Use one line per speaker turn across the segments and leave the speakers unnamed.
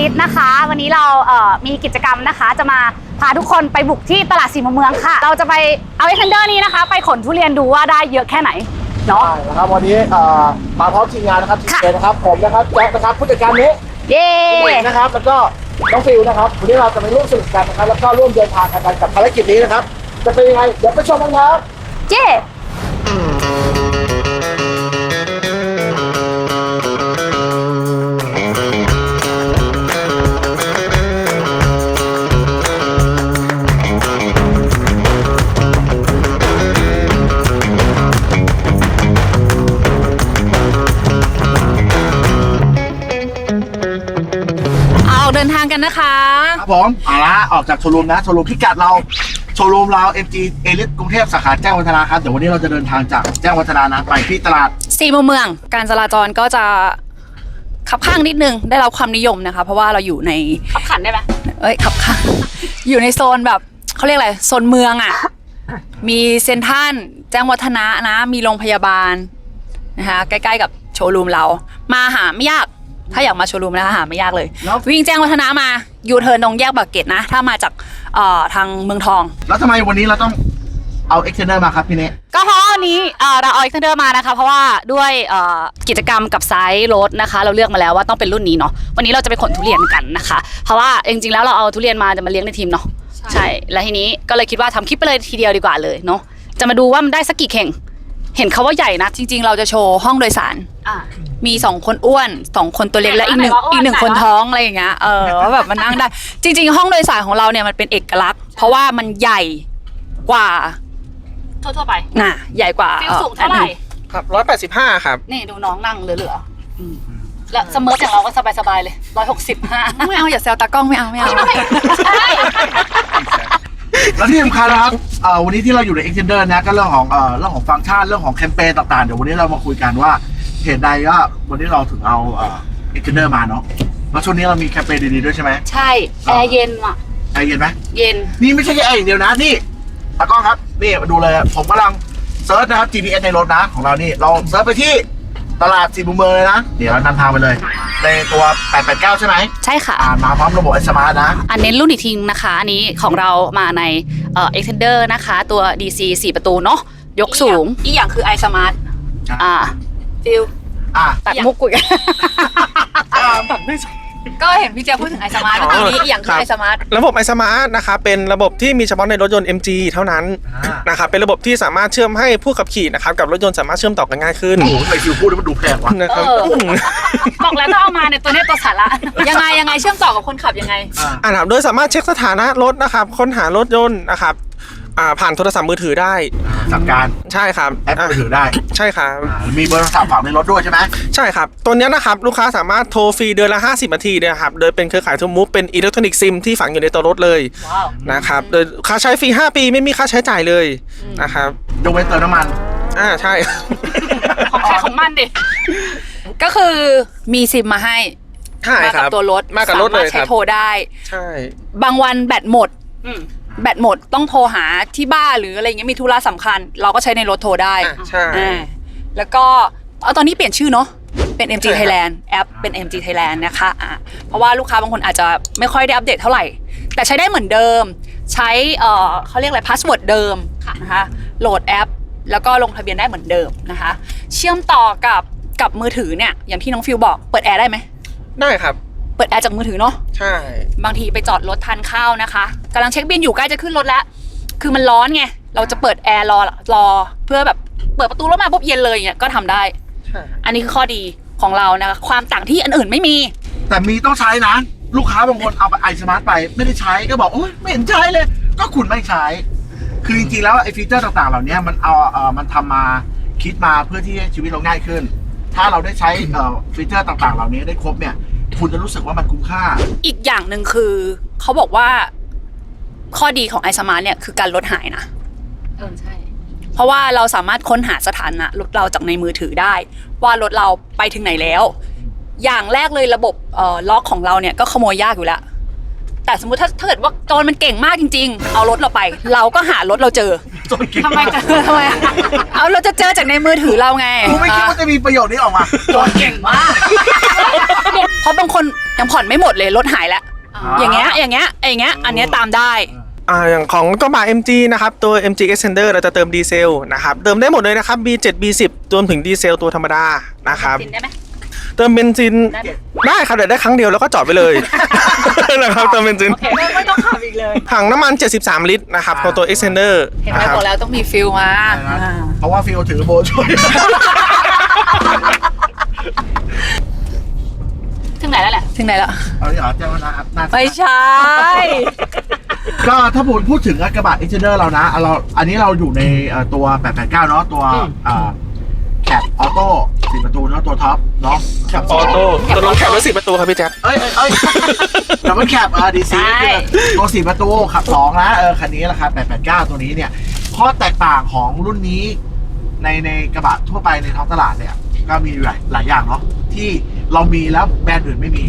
ลิสนะคะวันนี้เรามีกิจกรรมนะคะจะมาพาทุกคนไปบุกที่ตลาดสี่มุมเมืองค่ะเราจะไปเอาเอ็กเทนเดอร์นี้นะคะไปขนทุเรียนดูว่าได้เยอะแค่ไหนเนาะ
นะครับวันนี้มาพร้อมทีมงานนะครับทีมเอนะครับผมนะครับแจ็คนะครับผู้จัดการนี้
เย้
นะครับแล้วก็น้องฟิวนะครับวันนี้เราจะไปร่วมสนุกกันนะครับแล้วก็ร่วมเดินทางกันกับภารกิจนี้นะครับจะเป็นยังไงเดี๋ยวไปชมกันครับ
เย้เดินทางกันนะคะ
ครับผมเอาละออกจากโชว์รูมนะโชว์รูมพิกัดเราโชว์รูมเรา MG Elite กรุงเทพสาขาแจ้งวัฒนะครับเดี๋ยววันนี้เราจะเดินทางจากแจ้งวัฒนานะไปที่ตลาด
สี่มุมเมืองการจราจรก็จะขับข้างนิดนึงได้รับความนิยมนะคะเพราะว่าเราอยู่ในขับขันได้ไหมขับข้างอยู่ในโซนแบบเขาเรียกอะไรโซนเมืองอ่ะมีเซ็นทรัลแจ้งวัฒนะนะมีโรงพยาบาลนะคะใกล้ๆกับโชว์รูมเรามาหาไม่ยากถ้าอยากมาโชว์รูมนะคะหาไม่ยากเลยวิ่งแจ้งวัฒนะมายูเทิร์นตรงแยกปากเกร็ดนะถ้ามาจากทางเมืองทอง
แล้วทำไมวันนี้เราต้องเอาเอ็กเทนเดอร์มาครับพี่เน่
ก็เพราะวันนี้เราเอาเอ็กเทนเดอร์มานะคะเพราะว่าด้วยกิจกรรมกับไซส์รถนะคะเราเลือกมาแล้วว่าต้องเป็นรุ่นนี้เนาะวันนี้เราจะไปขนทุเรียนกันนะคะเพราะว่าจริงๆแล้วเราเอาทุเรียนมาจะมาเลี้ยงในทีมเนาะใช่แล้วทีนี้ก็เลยคิดว่าทำคลิปไปเลยทีเดียวดีกว่าเลยเนาะจะมาดูว่ามันได้สักกี่เข่งเห็นเขาว่าใหญ่นะจริงๆเราจะโชว์ห้องโดยสารมี2คนอ้วน2คนตัวเล็กและอีกหนึ่งคนท้องอะไรอย่างเงี้ยว่าแบบมันนั่งได้จริงๆห้องโดยสารของเราเนี่ยมันเป็นเอกลักษณ์เพราะว่ามันใหญ่กว่าทั่วไปน่ะใหญ่กว่าสูงเท่าไหร่
ครับ185ครับ
นี่ดูน้องนั่งเหลือๆแล้วสเมิร์ทอย่างเราก็สบายๆเลย165ไม่เอาอย่าแซวตากล้องไม่เอาใช่
แล้วที่สำคัญนะครับวันนี้ที่เราอยู่ใน Extender นะก็เรื่องของฟังก์ชันเรื่องของแคมเปญต่างๆเดี๋ยววันนี้เรามาคุยกันว่าเหตุใดว่าวันนี้เราถึงเอาExtender มาเนาะแล้วช่วงนี้เรามีแคมเปญดีๆด้วยใช่ไหม
ใช่แอร์เย็นว่ะ
แอร์เย็นไหม
เย็น
นี่ไม่ใช่แค่แอร์อย่างเดียวนะนี่ตากล้องครับนี่มาดูเลยผมกำลังเซิร์ชนะครับ GPS ในรถนะของเรานี่เราเซิร์ชไปที่ตลาดสี่มุมเมืองเลยนะเดี๋ยวเรานำทางไปเลยในตัว889ใช่ไหม
ใช่ค่ะ
มาพร้อมระบบ iSmart นะ
อันนี้รุ่นอีกทีนะคะอันนี้ของเรามาในExtender นะคะตัว DC 4 ประตูเนาะยกสูงอีกอย่างคือ iSmart ฟิลตัดมุกกุย
ตัดไม่
ก็เห็นพี่เจพูดถึง iSmart เมื่อกี้นี้อีกอย่างคือ iSmart
ระบบ iSmart นะครับเป็นระบบที่มีเฉพาะในรถยนต์ MG เท่านั้นนะครับเป็นระบบที่สามารถเชื่อมให้ผู้ขับขี่นะครับกับรถยนต์สามารถเชื่อมต่อกันง่ายขึ้น
โอ้โหทำไมฟิวพูดแล้วมันดูแพงวะ
นะครับ
บอกแล้วต้องเอามาในตัวนี้ตัวสาระยังไงเชื่อมต่อกับคนขับยังไง
ครับโดยสามารถเช็คสถานะรถนะครับค้นหารถยนต์นะครับผ่านโทรศัพท์มือถือได้
สั่งการ
ใช่ครับ
แอปมือถือได้
ใช่ครับ
มีเบอร์โทรศัพท์ฝังในรถด้วยใช่ไหม
ใช่ครับตัวนี้นะครับลูกค้าสามารถโทรฟรีเดือนละ50 นาทีนะครับโดยเป็นเครือข่ายทูมูฟเป็นอิเล็กทรอนิกส์ซิมที่ฝังอยู่ในตัวรถเลยนะครับโดยค่าใช้ฟรี5 ปีไม่มีค่าใช้จ่ายเลยนะครับ
ยกเว้นเติมน้ำมัน
ใช่
ของใครของมันดิก็คือมีซิมมาให้
มากับ
ตัวรถ
มากับรถเลยครับ
ใช้โทรได้
ใช่
บางวันแบตหมดต้องโทรหาที่บ้านหรืออะไรเงี้ยมีธุระสำคัญเราก็ใช้ในรถโทรได้
ใช่
แล้วก็ตอนนี้เปลี่ยนชื่อเนาะเป็น MG Thailand แอปเป็น MG Thailand นะคะเพราะว่าลูกค้าบางคนอาจจะไม่ค่อยได้อัปเดตเท่าไหร่แต่ใช้ได้เหมือนเดิมใช้เขาเรียกอะไรพาสเวิร์ดเดิมนะคะโหลดแอปแล้วก็ลงทะเบียนได้เหมือนเดิมนะคะเชื่อมต่อกับมือถือเนี่ยอย่างที่น้องฟิวบอกเปิดแอร์ได้ไหม
ได้ครับ
เปิดแอร์จากมือถือเนาะ
ใช่
บางทีไปจอดรถทานข้าวนะคะกำลังเช็คบิลอยู่ใกล้จะขึ้นรถแล้วคือมันร้อนไงเราจะเปิดแอร์รอเพื่อแบบเปิดประตูรถมาปุ๊บเย็นเลยเนี่ยก็ทำได้อันนี้คือข้อดีของเรานะคะความต่างที่อันอื่นไม่มี
แต่มีต้องใช้นะลูกค้าบางคนเอาiSmartไปไม่ได้ใช้ก็บอกโอ๊ยไม่เห็นใช้เลยก็คุณไม่ใช้คือจริงๆแล้วไอ้ฟีเจอร์ต่างๆเหล่านี้มันทำมาคิดมาเพื่อที่ให้ชีวิตเราง่ายขึ้นถ้าเราได้ใช้ฟีเจอร์ต่างๆเหล่านี้ได้ครบเนี่ยคุณจะรู้สึกว่ามันคุ้มค่า
อีกอย่างหนึ่งคือเขาบอกว่าข้อดีของiSmartเนี่ยคือการลดหายนะใช่เพราะว่าเราสามารถค้นหาสถานะรถเราจากในมือถือได้ว่ารถเราไปถึงไหนแล้วอย่างแรกเลยระบบล็อกของเราเนี่ยก็ขโมยยากอยู่แล้วแต่สมมุติถ้าเกิดว่าโจรมันเก่งมากจริงๆเอารถเราไปเราก็หารถเราเจอทำไมเอาเราจะเจอจากในมือถือเราไง
กูไม่คิดว่าจะมีประโยชน์นี้ออกมา
โจรเก่งมากเพราะบางคน
ยังผ่อนไม่หมดเลยรถหายแล้วอย่างเงี้ยอันเนี้ยตามได้
อย่างของกระบะ MG นะครับตัว MG Extender เราจะเติมดีเซลนะครับเติมได้หมดเลยนะครับ B7 B10 รวมถึงดีเซลตัวธรรมดานะครับ
กินได้ไหม
เติมเบนซินได้ครับแต่ได้ครั้งเดียวแล้วก็จอดไปเลย นะครับเติมเบนซิน
ไม่ต้องขับอีกเลย
ถังน้ำมัน73 ลิตรนะครับของตัว Extender
เห็นไหม
นะครับ
บอกแล้วต้องมีฟิลมา
เพราะว่าฟิลถือโบช่วย
ถึงไหนแล้วแหละ
ถึงไหนแล้ว
เอาดิเหรอเจ้านะครับน่าจะ
ไม่ใช่
ก็ถ้าพูดถึงกระบะ Extender เรานะอันนี้เราอยู่ในตัว 889 เนาะตัวแคปออโต้4 ประตูเนาะตัวท็อปเนาะแคป
ออโต้ตัวรถแคปรถ10 ประตูครับพี่แจ๊ค
เอ้ยแต่ว่าแคปดีซีคือตัว4 ประตูขับ2นะคันนี้ราคา889 ตัวนี้เนี่ยข้อแตกต่างของรุ่นนี้ในกระบะทั่วไปในท้องตลาดเนี่ยก็มีหลายอย่างเนาะที่เรามีแล้วแบรนด์อื่นไม่มี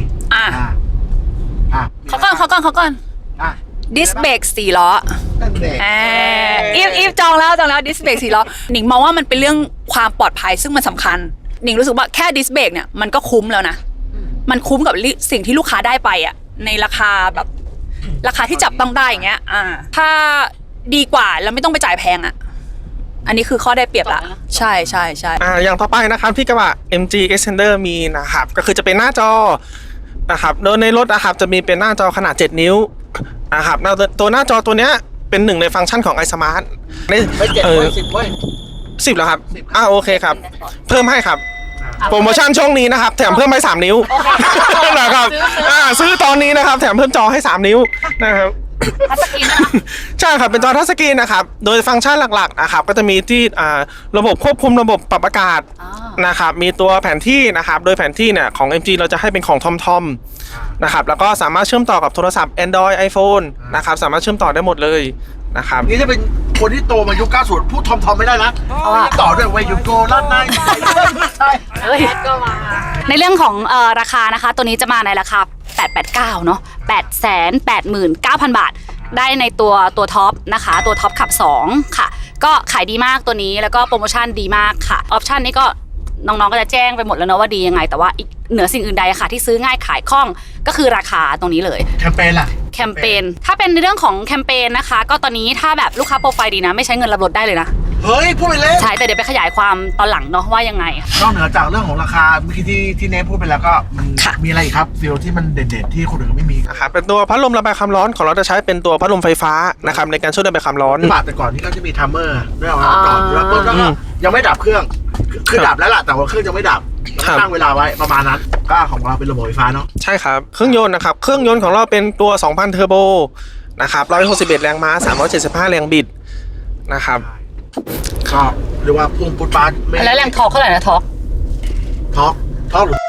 เขาก่อนดิสเบรก4 ล้อ
นั่นเอง
อีฟจองแล้วดิสเบรก4 ล้อหนิงมองว่ามันเป็นเรื่องความปลอดภัยซึ่งมันสำคัญหนิงรู้สึกว่าแค่ดิสเบรกเนี่ยมันก็คุ้มแล้วนะมันคุ้มกับสิ่งที่ลูกค้าได้ไปอ่ะในราคาแบบราคาที่จับต้องได้อย่างเงี้ยถ้าดีกว่าแล้วไม่ต้องไปจ่ายแพงอ่ะอันนี้คือข้อได้เปรียบละใช่
อย่างต่อไปนะครับที่กระบะ MG Extender มีนะครับก็คือจะเป็นหน้าจอนะครับโดยในรถนะครับจะมีเป็นหน้าจอขนาด7 นิ้วนะครับตัวหน้าจอตัวเนี้ยเป็นหนึ่งในฟังก์ชันของ iSmart
ไม่7 เว้ย 10 เว้ย
10แล้วครับโอเคครับเพิ่มให้ครับโปรโมชั่นช่วงนี้นะครับแถมเพิ่มให้3 นิ้วนะครับซื้อตอนนี้นะครับแถมเพิ่มจอให้3 นิ้วนะครับ
ทัชสกรีนนะ
ใช่ครับเป็นจอทัชสกรีนนะครับโดยฟังก์ชันหลักๆนะครับก็จะมีที่ระบบควบคุมระบบปรับอากาศนะครับมีตัวแผนที่นะครับโดยแผนที่เนี่ยของ MG เราจะให้เป็นของทอมนะครับแล้วก็สามารถเชื่อมต่อกับโทรศัพท์ Android iPhone นะครับสามารถเชื่อมต่อได้หมดเลยนะครับ
นี่จะเป็นคนที่โตมายุค 90 พูดทอมไม่ได้นะต่อด้วยวัยยุคโกลั่นในใช่
ในเรื่องของราคานะคะตัวนี้จะมาในราคา 889 เนาะ 889,000 บาท ได้ในตัวท็อปนะคะตัวท็อปขับ 2 ค่ะ ก็ขายดีมากตัวนี้แล้วก็โปรโมชั่นดีมากค่ะออปชั่นนี้ก็น้องๆก็จะแจ้งไปหมดแล้วเนาะว่าดียังไงแต่ว่าอีกเหนือสิ่งอื่นใดค่ะที่ซื้อง่ายขายคล่องก็คือราคาตรงนี้เลย
แคมเปญล่ะ
แคมเปญถ้าเป็นในเรื่องของแคมเปญนะคะก็ตอนนี้ถ้าแบบลูกค้าโปรไฟล์ดีนะไม่ใช้เงินรับรถได้เลยนะ
เฮ้ยพูดไปเล่น
ใช่แต่เดี๋ยวไปขยายความตอนหลังเนาะว่ายังไง
นอกเหนือจากเรื่องของราคาเมื่อกี้ที่เนทพูดไปแล้วก็มัน
ค่ะ
มีอะไรอีกครับฟิลที่มันเด่นๆที่คนอื่นไม่มี
นะครับเป็นตัวพัดลมระบายความร้อนของเราจะใช้เป็นตัวพัดลมไฟฟ้านะครับในการช่วยระบายความร้อน
กระบะแต่ก่อนนี่ก็จะมีทัมเมอร์ด้วยเอาจอดแล้วปุ๊บแล้วก็ยังไม่ดับเครื่องคือดับแล้วล่ะแต่ว่าเครื่องยังไม่ดับตั้งเวลาไว้ประมาณนั้นก็ของเราเป็นระบบไฟฟ้าเนาะ
ใช่ครับเครื่องยนต์นะครับเครื่องยนต์ของเราเป็นตัว 2,000 เทอร์โบนะครับ161 แรงม้า375 แรงบิดนะครับ
ก็เรียกว่าพุ่งปุ๊บปั๊บไม่
แล้วแรงทอร์กเท่าไหร่นะทอร์ก
ท็อกหรือ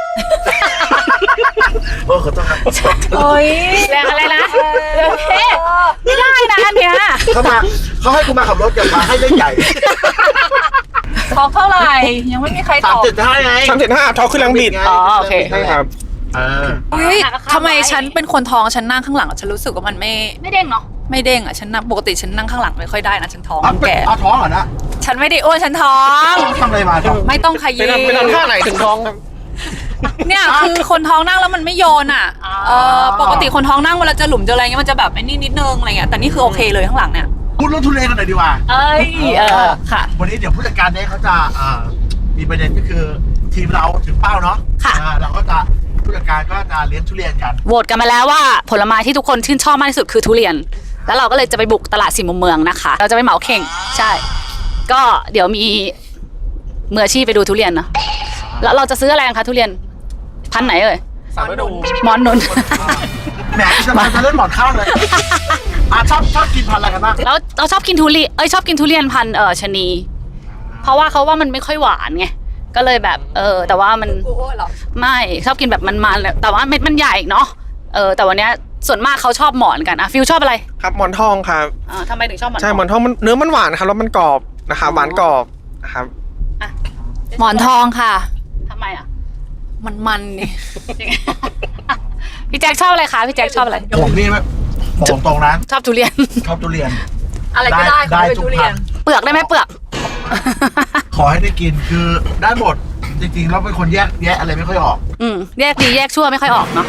ขอโทษครับ
โอ้ย
แรงอะไรนะเอ๊ะไม่ได้นะอันเนี้ย
เขาให้คุณมาขับรถอย่ามาให้เล่นใหญ่
ทอกเท่าไหร่ยังไม่มีใครตอบ
3.5ไง
375ทอร์กขึ้นแรงบิด
อ๋อโอเค
ใช่ครับ
อุ้ยทำไมฉันเป็นคนท้องฉันนั่งข้างหลังฉันรู้สึกว่ามันไม่
ไม่เด้งเนาะ
ไม่เด้งอ่ะฉันนั่งปกติฉันนั่งข้างหลังไม่ค่อยได้นะฉันท้อง แก่
เอาท้องเหรอนะ
ฉันไม่ได้อ้วนฉันท้อง
ทำอะไรมาท้อง
ไม่ต้องข
เป็น
ยี้
เป็นท่าไหนถึงท้องครับ
เนี่ยคือคนท้องนั่งแล้วมันไม่โยนอ่ะปกติคนท้องนั่งเวลาจะหลุมจะอะไรเงี้ยมันจะแบบไอ้นี่นิดนึงอะไรเงี้ยแต่นี่คือโอเคเลยข้างหลังเนี่ย
พูดเรื่องทุเรศกันหน่อยดีกว่า
เอ้ยค่ะ
วันนี้เดี๋ยวผู้จัดการเนี่ยเขาจะมีประเด็นก็คือทีมเราถึงเป้าเนาะ
ค่ะ
เราก็จะผู้จัดการก็จะเลี้ยงทุเรียนกัน
โหวตกันมาแล้วว่าผลไม้ที่ทุกคนชื่นชอบมากที่สุดคือทุเรียน แล้วเราก็เลยจะไปบุกตลาดสี่มุมเมืองนะคะ เราจะไปเหมาเข่งใช่ ก็เดี๋ยวมีมืออาชีพไปดูทุเรียนเนาะแล้วเราจะซื้ออะไรกันคะทุเรียนพันธุ์ไหนเอ่ย
สามฤดู
หมอนนุน
แหมจะมาจะเล่นหมอนข้าวเลยชอบกินพันธุ์อะไรกันบ้าง
แล้วเราชอบกินทุเรียนชอบกินทุเรียนพันธุ์ชะนี เพราะว่าเขาว่ามันไม่ค่อยหวานไงก็เลยแบบแต่ว่ามันไม่ชอบกินแบบมันๆแต่ว่าเม็ดมันใหญ่เนาะแต่วันเนี้ยส่วนมากเขาชอบหมอนกันอะฟิลชอบอะไร
ครับหมอนทองครับ
ทำไมถึงชอบหมอน
ใช่หมอนทองมันเนื้อมันหวานครับแล้วมันกรอบนะครับหวานกรอบนะครับ
หมอนทองค่ะ
ทำไมอะ
มันนี่
พี่แจ็คชอบอะไรคะพี่แจ็คชอบอะไร
ผมนี่ผมตรงนะ
ชอบทุเรียน
ชอบทุเรียน
อะไรก็ได้ขอให้เป็น
ทุก
ทุเรี
พั
ย
น
น
ธุ์
เปลือกได้ไหมเปลือก
ขอให้ได้กินคือได้หมดจริงๆเราเป็นคนแยกแยะอะไรไม่ค่อยออก
แยกดีแยกชั่วไม่ค่อยออกเนาะ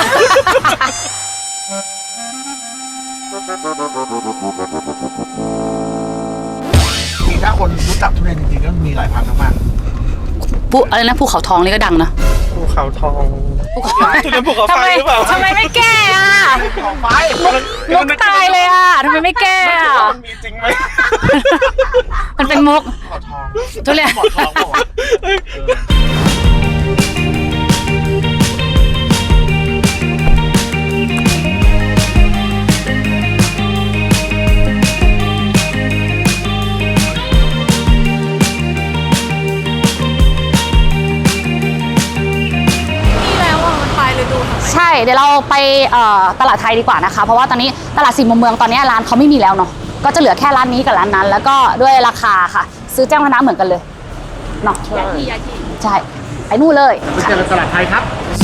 จริงถ้าคนรู้จักทุเรียนจริงๆก็มีหลายพันธุ์มาก
อะไรนะภูเขาทองนี่ก็ดังนะ
ภูเขาทอง
ภูเขา
จุดนั้นภูเขาไฟหรือเปล่า
ทำไมไม่แก้อ่ะ
ๆของไฟ
มุกตายเลยอ่ะทำไมไม่แก้อ่ะ
มันมีจริงไหม
มันเป็นมุก
ขอทอง
ทุเรียน
ขอทองบอกว่า
นี่แล้วอ่ะมันปลายฤดูทำไม
ใช่เดี๋ยวเราไปตลาดไทยดีกว่านะคะ เพราะว่าตอนนี้ตลาดสี่มุมเมืองตอนนี้ร้านเขาไม่มีแล้วเนาะก็จะเหลือแค่ร้านนี้กับร้านนั้น แล้วก็ด้วยราคาค่ะ ซื้อแจ้งคณะเหมือนกันเลยเนาะ
ยาที
ใช่ไปนู่นเลย
ไปเจอกันตลาดไทยครับ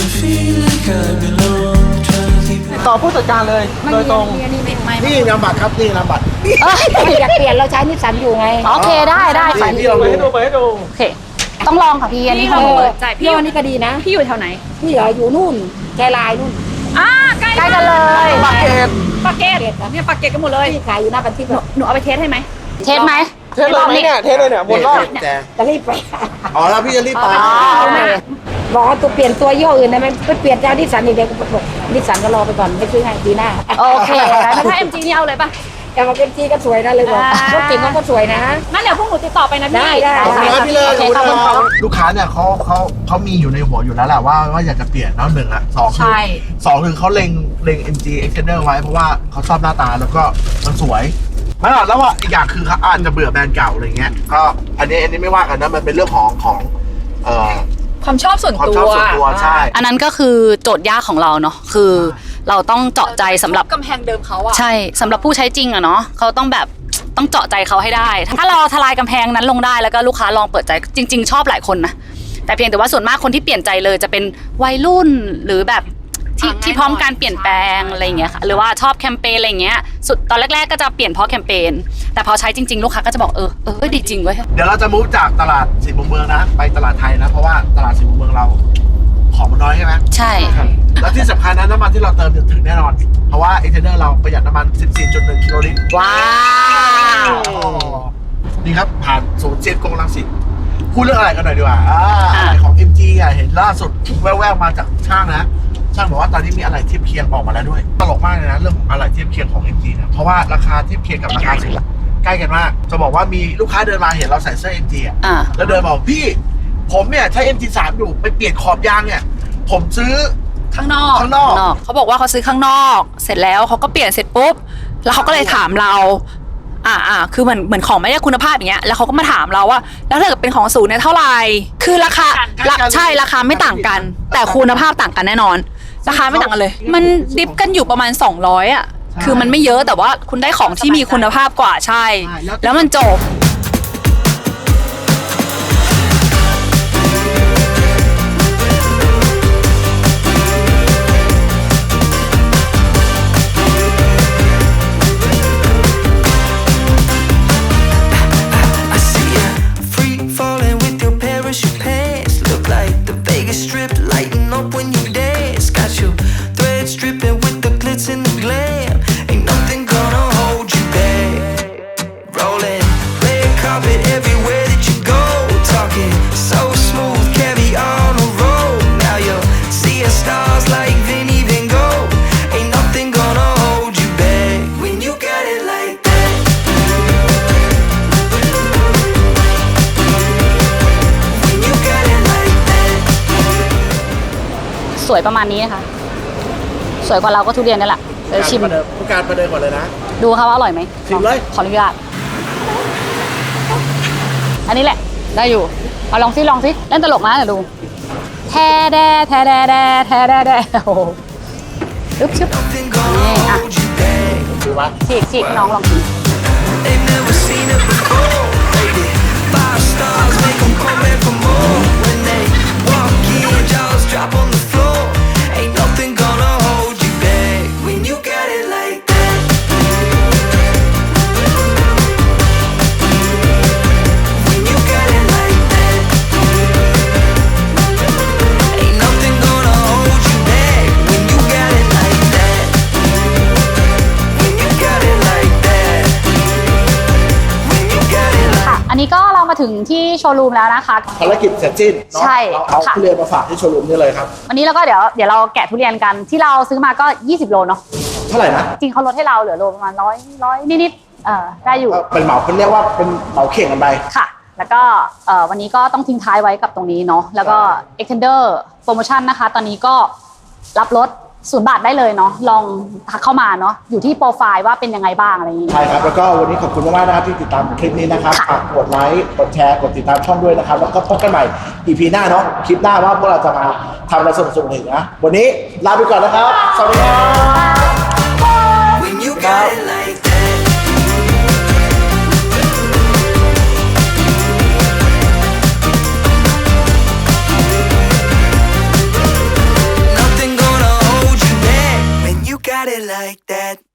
ต่อผู้จัดการเลยโดยตรง
นี่นามบัตรครับนี่นามบัตร
อยากเปลี่ยนเราใช้นิสสันอยู่ไง
โอเคได้ค่ะ
นี่เรา
เปิด
ดู
ให้ดู
โอเค ต้องลองค่ะพี่อันนี้
เรา
คือ
เปิดใจพี่
พี่วันนี้ก็ดีนะ
พี่อยู่แถวไหน
พี่เหรออยู่นู่นแกลายนู่น
ใกล้
ใกล้กันเลย
ปากเกร็ด
ปากเกตเนี่ยปากเกตกันหมดเลย
พี่ขายอยู่หน้าปันทิพย์อะ
หนูเอาไปเทสให้ไหม
เทสไหม
เทสเลยไหมเนี่ยเทสเลยเนี่ยบนรอบ
แต่
จะรีบไป
อ๋อแล้วพี่จะรีบไป
อ๋อโอเค
บอกว่าตัวเปลี่ยนตัวยี่ห้ออื่นได้ไหมไปเปลี่ยนเจ้านิสสันอีกเดียวก็บอกนิสสันก็รอไปก่อนไม่ซื้อให้ปีหน้า
โอเค
แล้วถ้า MG นี่เอาเลยป่ะ
แต่มาเป็นจีก็สวยนะเลยบอก
อ่าร
ถเก่งก็สวยนะ
งั้นเดี๋ยวพวกหนูติดต่อไปนะพี่
ได้
ขอบคุณครับพี่เลย
โอเคขอบคุณครับ
ลูกค้าเนี่ยเขามีอยู่ในหัวอยู่แล้วแหละว่าอยากจะเปลี่ยนแล้วหนึ่งละสองคือ
ใช่
สองคือเขาเล็ง MG Extender ไว้เพราะว่าเขาชอบหน้าตาแล้วก็มันสวยไม่หรอกแล้วว่าอีกอย่างคือเขาอาจจะเบื่อแบรนด์เก่าอะไรเงี้ยก็อันนี้ไม่ว่ากันนะมันเป็นเรื่องของ
ความชอบส่วน
ความ
ตั
ช
ว
อบส่วนตัวใช่
อันนั้นก็คือโจทย์ยากของเราเนาะคือเราต้องเจาะใจสำหรับ
กำแพงเดิมเขาอะ
ใช่สำหรับผู้ใช้จริงอะเนาะเขาต้องแบบต้องเจาะใจเขาให้ได้ ถ้าเราทลายกำแพงนั้นลงได้แล้วก็ลูกค้าลองเปิดใจจริง ๆ ชอบหลายคนนะแต่เพียงแต่ว่าส่วนมากคนที่เปลี่ยนใจเลยจะเป็นวัยรุ่นหรือแบบที่พร้อมการเปลี่ยนแปลงอะไรอย่างเงี้ยค่ะหรือว่าชอบแคมเปญอะไรอย่างเงี้ยสุดตอนแรกๆก็จะเปลี่ยนเพราะแคมเปญแต่พอใช้จริงๆลูกค้าก็จะบอกดีจริงเว้ย
เดี๋ยวเราจะมุฟจากตลาดสี่มุมเมืองนะไปตลาดไทยนะเพราะว่าตลาดสี่มุมเมืองเราของมันน้อยใช่ไหม
ใช่
แล้วที่สำคัญนะน้ำมันที่เราเติมถึงแน่นอน เพราะว่าเอเทนเนอร์เราประหยัดน้ำมัน 14.1 กิโลลิตร
ว้าว
นี่ครับ ผ่านศูนย์เซียนกงรังสิตพูดเรื่องอะไรกันหน่อยดีกว่าอะไรของ MG อ่ะเห็นล่าสุดแว่วๆมาจากช่างนะ ช่างบอกว่าตอนนี้มีอะไรเทียบเคียงออกมาแล้วด้วย ตลกมากเลยนะ เรื่องของอะไรเทียบเคียงของ MG นะเพราะว่าราคาเทียบเคียงกับราคาสูงใกล้กันมาก จะบอกว่ามีลูกค้าเดินมาเห็นเราใส่เสื้อ MG อ่ะ
อ่า
แล้วเดินบอกพี่ ผมเนี่ยใช้ MG3 อยู่ไปเปลี่ยนขอบยางเนี่ย ผมซื้อ
ข้างนอก
ข้างนอก
เขาบอกว่าเขาซื้อข้างนอก เสร็จแล้วเขาก็เปลี่ยนเสร็จปุ๊บ แล้วเขาก็เลยถามเรา คือเหมือนของไม่ได้คุณภาพอย่างเงี้ย แล้วเขาก็มาถามเราว่า แล้วถ้าเกิดเป็นของศูนย์เนี่ยเท่าไหร่ คือราคา ใช่ราคาไม่ต่างกัน แต่คุณภาพต่างกันแน่นอน ราคาไม่ต่างกันเลย มันดิฟกันอยู่ประมาณ200อ่ะ คือมันไม่เยอะแต่ว่าคุณได้ของที่มีคุณภาพกว่าใช่ แล้วมันจบ
I see ya free falling with your parachute pants. Look like the Vegas Strip lighting up when you dance. Got your threads dripping with the glitz and the glam. Ain't nothing gonna hold you back. Rolling red carpet everywhere that you go. Talking so smooth, carry on a roll. Now you're seeing stars like Vinny Van Gogh. Ain't nothing gonna hold you back when you got it like that. When you got it like that.
สวยประมาณนี้นะคะสวยกว่าเราก็ทุเรียนนี่แหละเดี๋ยวชิม
ผู้การประเดิมก่อนเลยนะ
ดูค่ะว่าอร่อยไหม
ชิมเลย
ขออนุญาตอันนี้แหละ ได้อยู่เอาลองซิเล่นตลกนะเดี๋ยวดูแท้แดแท้แดแดแท้แดแดโอ้โหอึ๊บชึบ
Nothing gonna
Yeah.
hold you back.
ดูวะ
ฉีกน้องลองกิน
They've never seen it before. Rated 5 stars, make 'em come back for more. When they walk in, jaws drop on the floor. Ain't nothing gonna hold you back when you got it like that. When you got it like that.
มาถึงที่โชว์รูมแล้วนะคะ
ภารกิจเสร็จสิ้นเนาะ
ใช่
เราเอา
ค่ะ
ทุเรียนมาฝากที่โชว์รูมนี่เลยครับ
วันนี้เราก็เดี๋ยวเราแกะทุเรียนกันที่เราซื้อมาก็20โลเนาะ
เท่าไหร่นะ
จริงเขาลดให้เราเหลือโลประมาณ100นิดๆได้อยู่
ก็เป็นเหมาเขาเรียกว่าเป็นเหมาเข่งกันไป
ค่ะ แล้วก็วันนี้ก็ต้องทิ้งท้ายไว้กับตรงนี้เนาะแล้วก็ Extender Promotion นะคะ ตอนนี้ก็รับลด0 บาทได้เลยเนาะลองทักเข้ามาเนาะอยู่ที่โปรไฟล์ว่าเป็นยังไงบ้างอะไรอย่างนี้
ใช่ครับ แล้วก็วันนี้ขอบคุณมากๆนะครับที่ติดตามคลิปนี้นะครับฝากกดไลค์กดแชร์กดติดตามช่องด้วยนะครับแล้วก็พบกันใหม่ EP หน้าเนาะคลิปหน้าว่าพวกเราจะมาทำอะไรสนุกๆอีกนะวันนี้ลาไปก่อนนะครับสวัสดีครับ
When you got it like that. Nothing gonna hold you back when you got it like that.